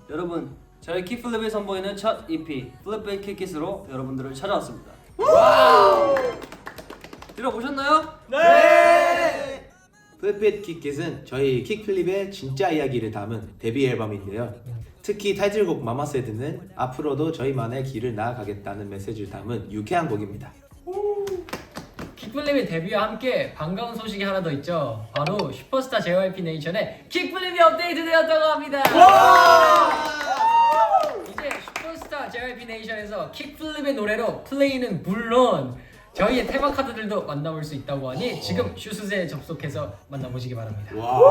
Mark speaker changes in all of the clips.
Speaker 1: 여러분, 저희 킥플립이 선보이는 첫 EP 플립백 킥킷으로 여러분들을 찾아왔습니다. 들어보셨나요?
Speaker 2: 네! 플립핏 킥킷은 저희 킥플립의 진짜 이야기를 담은 데뷔 앨범인데요. 특히 타이틀곡 마마세드는 앞으로도 저희만의 길을 나아가겠다는 메시지를 담은 유쾌한 곡입니다.
Speaker 3: 킥플립의 데뷔와 함께 반가운 소식이 하나 더 있죠. 바로 슈퍼스타 JYP 네이션의 킥플립이 업데이트되었다고 합니다. 이제 슈퍼스타 JYP 네이션에서 킥플립의 노래로 플레이는 물론 저희의 테마 카드들도 만나볼 수 있다고 하니 지금 슈스제에 접속해서 만나보시기 바랍니다.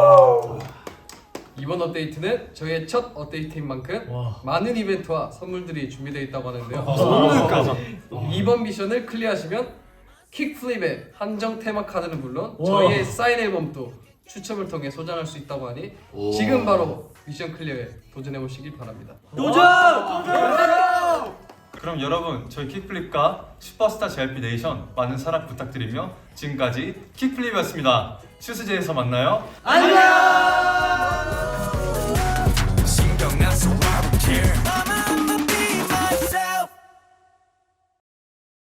Speaker 4: 이번 업데이트는 저희의 첫 업데이트인 만큼 많은 이벤트와 선물들이 준비되어 있다고 하는데요.
Speaker 5: 선물까지.
Speaker 4: 이번 미션을 클리어하시면 킥플립의 한정 테마 카드는 물론 저희의 사인 앨범도 추첨을 통해 소장할 수 있다고 하니 지금 바로 미션 클리어에 도전해 보시길 바랍니다.
Speaker 5: 그럼 여러분, 저희 킥플립과 슈퍼스타 JYP 네이션 많은 사랑 부탁드리며 지금까지 킥플립이었습니다. 슈스제에서 만나요.
Speaker 1: 안녕!